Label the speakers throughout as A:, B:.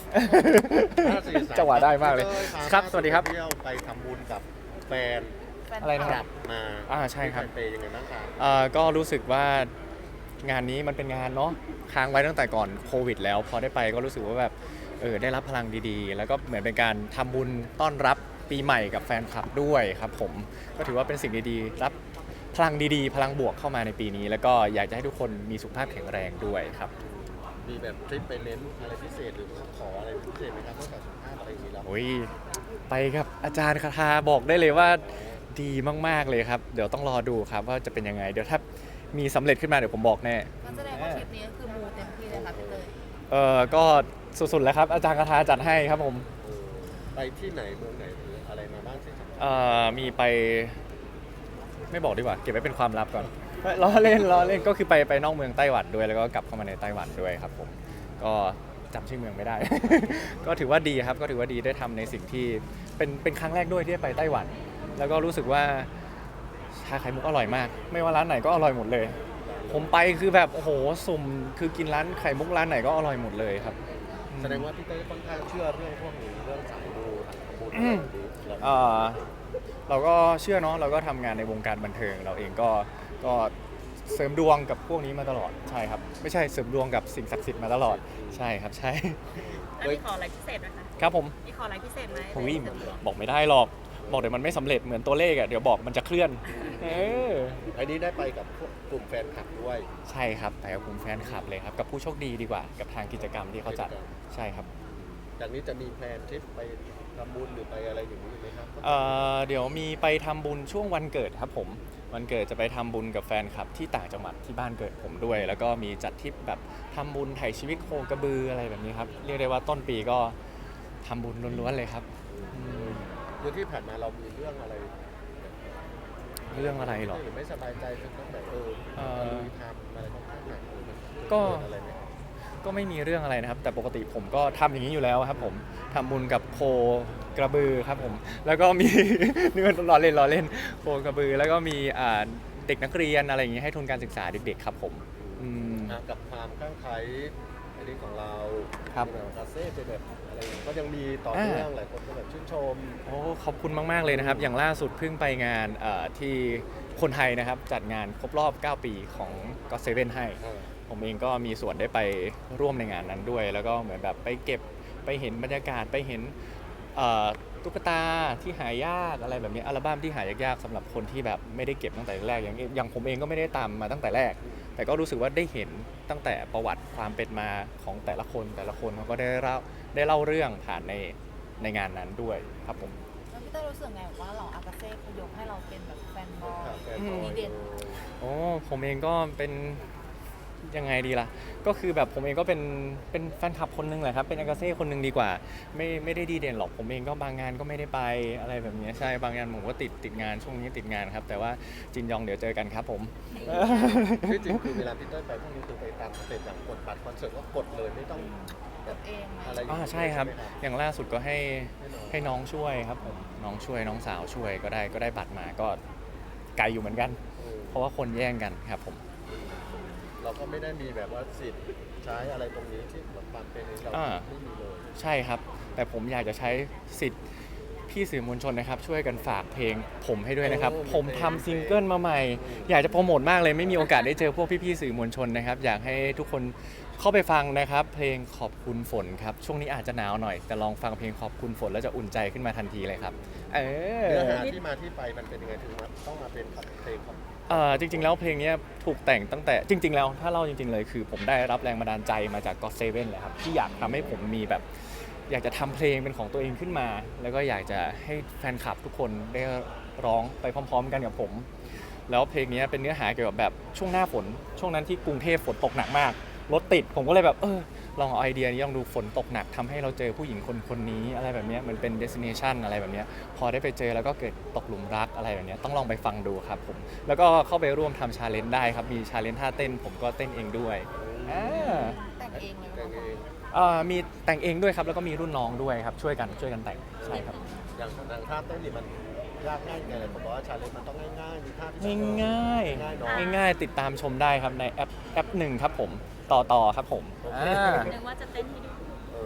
A: จังหวะได้มากเลยครับสวัสดีครับ
B: เที่ยวไปทำบุญกับแฟน
A: อะไรนะ
B: ก
A: ค
B: ลั
A: รับบ
B: มา
A: ใช่ครับ
B: ที่ไทเปยังไงบ้างครับ
A: ก็รู้สึกว่างานนี้มันเป็นงานเนาะค้างไว้ตั้งแต่ก่อนโควิดแล้วพอได้ไปก็รู้สึกว่าแบบได้รับพลังดีๆ แล้วก็เหมือนเป็นการทำบุญต้อนรับปีใหม่กับแฟนคลับด้วยครับผมก็ถือว่าเป็นสิ่งดีๆรับพลังดีๆ พลังบวกเข้ามาในปีนี้ แล้วก็อยากจะให้ทุกคนมีสุขภาพแข็งแรงด้วยครับ
B: มีแบบทริปไปเน้นอะไรพิเศษหรือขออะไรพิเศษไหมครับนอกจากสุขภาพอะไรอย่างนี้แล้ว
A: โอ้ยไปกับอาจารย์คาทาบอกได้เลยว่าดีมากๆเลยครับเดี๋ยวต้องรอดูครับว่าจะเป็นยังไงเดี๋ยวถ้ามีสำเร็จขึ้นมาเดี๋ยวผมบอกแน่
C: ก็แสดงว่าทริปนี้ก็คือมูเต็มที่เลยค่ะพี่เตย
A: ก็สุดๆแล้วครับอาจารย์คาทาจัดให้ครับผม
B: ไปที่ไหนเมืองไหนหรืออะไรมาบ้างสิครับ
A: มีไปไม่บอกดีกว่าเก็บไว้เป็นความลับก่อนล้อเล่นก็คือไปนอกเมืองไต้หวันด้วยแล้วก็กลับเข้ามาในไต้หวันด้วยครับผมก็จำชื่อเมืองไม่ได้ ก็ถือว่าดีครับก็ถือว่าดีได้ทำในสิ่งที่เป็นครั้งแรกด้วยที่ได้ไปไต้หวัน แล้วก็รู้สึกว่าชาไข่มุกอร่อยมาก ไม่ว่าร้านไหนก็อร่อยหมดเลย ผมไปคือแบบโอ้โหสุ่มคือกินร้านไข่มุกร้านไหนก็อร่อยหมดเลยครับ
B: แสดงว่าพี่เต้ค่อนข้างเชื่อเรื่องพวกนี้เรื่องสายมูทางบุญอะไรแบบนี้แล้ว
A: เอ่อเราก็เชื่อเนาะเราก็ทำงานในวงการบันเทิงเราเองก็เสริมดวงกับพวกนี้มาตลอดใช่ครับไม่ใช่เสริมดวงกับสิ่งศักดิ์สิทธิ์มาตลอดใช่ครับใช่
C: อันนี้ขออะไรพิเศษไหมคะ
A: ครับผม
C: มีขออะไรพิเศษไหม
A: หุยบอกไม่ได้หรอกบอกเดี๋ยวมันไม่สำเร็จเหมือนตัวเลขอ่ะเดี๋ยวบอกมันจะเคลื่อนเออ
B: อันนี้ได้ไปกับพวกกลุ่มแฟนคลับด้วย
A: ใช่ครับแต่กับกลุ่มแฟนคลับเลยครับกับผู้โชคดีดีกว่ากับทางกิจกรรมที่เขาจัดใช่ครับ
B: จากนี้จะมีแพลนทริปไปทำบุญหรือไปอะไรอย่างนี้ไหมครับ
A: เดี๋ยวมีไปทำบุญช่วงวันเกิดครับผมวันเกิดจะไปทำบุญกับแฟนคลับที่ต่างจังหวัดที่บ้านเกิดผมด้วย แล้วก็มีจัดทริปแบบทำบุญไถ่ชีวิตโคกระบืออะไรแบบนี้ครับเรียกได้ว่าต้นปีก็ทำบุญล้วนๆเลยครับอืม
B: เรื่องที่ผ่านมาเรามีเรื่องอะไร
A: เรื่องอะไรหรอ
B: หรือไม่สบายใจจนต้องแบบลุยทำอะไรต้องข้างหนักหรือมัน
A: ก็
B: เกิดอะไรไหมครับ
A: ก็ไม่มีเรื่องอะไรนะครับ แต่ปกติผมก็ทำอย่างนี้อยู่แล้วครับผมทำบุญกับโคกระบือครับผมแล้วก็มี นี่มันล้อเล่นโคกระบือแล้วก็มีเด็กนักเรียนอะไรอย่างนี้ให้ทุนการศึกษาเด็กๆครับผมอืม
B: กับความข้างไคล้อันนี้ของเรา
A: ครับ
B: ที่แบบคาเซ่เป็นแบบอะไรอย่างเงี้ยก็ยังมีต่อเนื่องหลายคนก็แบบชื่นชม
A: โอ้ขอบคุณมากๆเลยนะครับ อย่างล่าสุดเพิ่งไปงานที่คนไทยนะครับจัดงานครบรอบ 9 ปีของ GOT7 ให้ ผมเองก็มีส่วนได้ไปร่วมในงานนั้นด้วย แล้วก็เหมือนแบบไปเก็บไปเห็นบรรยากาศไปเห็นตุ๊กตาที่หายากอะไรแบบนี้อัลบั้มที่หายากๆสำหรับคนที่แบบไม่ได้เก็บตั้งแต่แรกอย่างผมเองก็ไม่ได้ตามมาตั้งแต่แรก แต่ก็รู้สึกว่าได้เห็นตั้งแต่ประวัติความเป็นมาของแต่ละคนเขาก็ได้เล่าเรื่องผ่านในงานนั้นด้วยครับผม
C: แล้วพี่เตยรู้สึกไงว่าเหล่าอากาเซ่เขายกให้เราเป็นแบบแฟนบอย
B: แฟนบอย
C: ดีเด่น
A: โอ้ผมเองก็เป็นยังไงดีล่ะก็คือแบบผมเองก็เป็นแฟนคลับคนหนึงแหละครับเป็นอากาเซ่คนหนึงดีกว่าไม่ได้ดีเด่นหรอกผมเองก็บางงานก็ไม่ได้ไปอะไรแบบนี้ใช่บางงานผมก็ติดงานช่วงนี้ติดงานครับแต่ว่าจินยองเดี๋ยวเจอกันครับผม
B: ที่จริงคือเวลาพี่เต้ยไปพวกนี้คือไปตามสเต็ปอย่างกดบัตรคอนเสิร์ตก็กดเลยไม่ต้องแบบ
C: เองไหม
B: อะไรอย่างนี้
A: ใช่ครับ
B: ไหม
A: อย่างล่าสุดก็ให้น้องช่วยครับผมน้องช่วยน้องสาวช่วยก็ได้บัตรมาก็ไกลอยู่เหมือนกัน เพราะว่าคนแย่งกันครับผม
B: เราก็ไม่ได้มีแบบว่าสิทธิ์ใช้อะไรตรงนี้ที่แบบความเป็นเรา
A: อ่า
B: ไม่มีเลย
A: ใช่ครับ แต่ผมอยากจะใช้สิทธิ์พี่สื่อมวลชนนะครับ ช่วยกันฝากเพลงผมให้ด้วยนะครับ ผมทำซิงเกิลมาใหม่ อยากจะโปรโมทมากเลยไม่มีโอกาสได้เจอพวกพี่ๆสื่อมวลชนนะครับ อยากให้ทุกคนเข้าไปฟังนะครับ เพลงขอบคุณฝนครับ ช่วงนี้อาจจะหนาวหน่อย แต่ลองฟังเพลงขอบคุณฝนแล้วจะอุ่นใจขึ้นมาทันทีเลยครับ
B: เนื้อหาที่มาที่ไปมันเป็นยังไงถึงมาต้องมาเป็นเพลงของ
A: จริงๆแล้วเพลงนี้ถูกแต่งตั้งแต่จริงๆแล้วถ้าเล่าจริงๆเลยคือผมได้รับแรงบันดาลใจมาจาก GOT7 เลยครับที่อยากทำให้ผมมีแบบอยากจะทำเพลงเป็นของตัวเองขึ้นมา แล้วก็อยากจะให้แฟนคลับทุกคนได้ร้องไปพร้อมๆกันกับผม แล้วเพลงนี้เป็นเนื้อหาเกี่ยวกับแบบช่วงหน้าฝนช่วงนั้นที่กรุงเทพฝนตกหนักมากรถติดผมก็เลยแบบลองเอาไอเดียนี้ลองดูฝนตกหนักทำให้เราเจอผู้หญิงคนนี้อะไรแบบนี้มันเป็น destination อะไรแบบนี้พอได้ไปเจอแล้วก็เกิดตกหลุมรักอะไรแบบนี้ต้องลองไปฟังดูครับผมแล้วก็เข้าไปร่วมทำชาเลนจ์ได้ครับมีชาเลนจ์ท่าเต้นผมก็เต้นเองด้วยอ่า
C: แต่งเองเลย
B: แต่งเอง
A: มีแต่งเองด้วยครับแล้วก็มีรุ่นน้องด้วยครับช่วยกันแต่งใช่ครับ
B: อย่างท่าเต้นนี่มันยากง่ายไงเลยผมบอกว่าชาเลนจ์มันต้องง่ายๆมีท่าที่
A: ง่าย
B: ง่ายเนาะ
A: ๆง่ายๆติดตามชมได้ครับในแอปหนึ่งครับผมต่อครับผม
C: นึกว่าจะเต้นให้ดู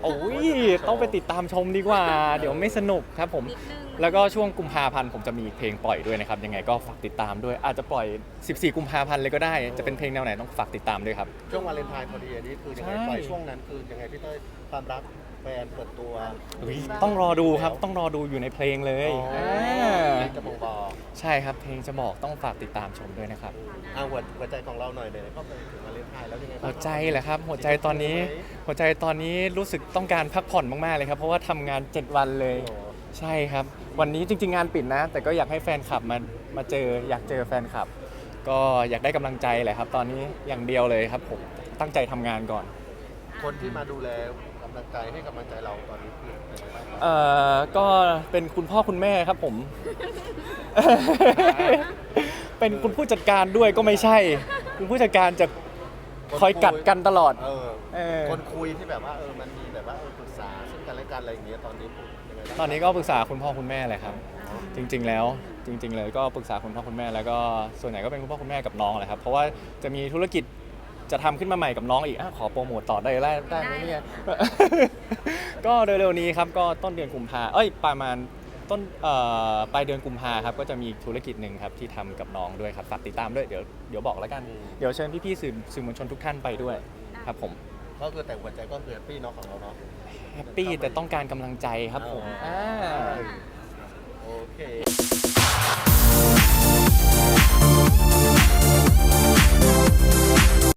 A: โอ้ยต้องไปติดตามชมดีกว่า เดี๋ยวไม่สนุกครับผม
D: นิดนึง
A: แล้วก็ช่วงกุมภาพันธ์ผมจะมีเพลงปล่อยด้วยนะครับยังไงก็ฝากติดตามด้วยอาจจะปล่อย 14 กุมภาพันธ์เลยก็ได้จะเป็นเพลงแนวไหนต้องฝากติดตามด้วยครับ
B: ช่วงวาเลนไทน์พอดีอันนี้คือยังไง
A: ใช่
B: ปล่อยช่วงนั้นคือยังไงพี่เต้ยความรักแฟนเปิดตัว
A: ต้องรอดูครับต้องรอดูอยู่ในเพลงเลย
B: อ๋อจะบอกบอก
A: ใช่ครับเพลงจะบอกต้องฝากติดตามชมด้วยนะครับ
B: หัวใจของเราหน่อยเลยก็ไปถึงวาเลนไทน์แล้วยังไงบ้าง
A: หัวใจแหละครับหัวใจตอนนี้รู้สึกต้องการพักผ่อนมากๆเลยครับเพราะว่าทำงาน 7 วันเลย
B: โอ้โห
A: ใช่ครับวันนี้จริงๆงานปิดนะ แต่ก็อยากให้แฟนคลับมาเจออยากเจอแฟนคลับ ก็อยากได้กำลังใจแหละครับ ตอนนี้อย่างเดียวเลยครับผมตั้งใจทำงานก่อน
B: คนที่มาดูแลกำลังใจให้กำลังใจเราตอนนี้คือเป็นยังไงบ้างครับ
A: ก็เป็นคุณพ่อคุณแม่ครับผม เป็นคุณผู้จัดการด้วยก็ไม่ใช่ คุณผู้จัดการจะคอยกัดกันตลอด เออ
B: คนคุยที่แบบว่ามันมีแบบว่าปรึกษาซึ่งกันและกันอะไรอย่างเงี้ยตอนนี้ยังไงบ้าง
A: ตอนนี้ก็ปรึกษาคุณพ่อคุณแม่เลยครับ จริงๆแล้วจริงๆเลยก็ปรึกษาคุณพ่อคุณแม่แล้วก็ส่วนใหญ่ก็เป็นคุณพ่อคุณแม่กับน้องแหละครับเพราะว่าจะมีธุรกิจจะทำขึ้นมาใหม่กับน้องอีกขอโปรโมทต่อได้ไหมเนี่ย ก็เร็วๆนี้ครับก็ต้นเดือนกุมภาประมาณต้นปลายเดือนกุมภาครับก็จะมีธุรกิจหนึ่งครับที่ทำกับน้องด้วยครับฝากติดตามด้วยเดี๋ยวบอกแล้วกันเดี๋ยวเชิญพี่ๆสื่อมวลชนทุกท่านไปด้วยครับผม
B: ก็คือแต่หัวใจก็คือแฮปปี้เนาะของเราเนาะ
A: แฮปปี้แต่ต้องการกำลังใจครับผม
B: โอเค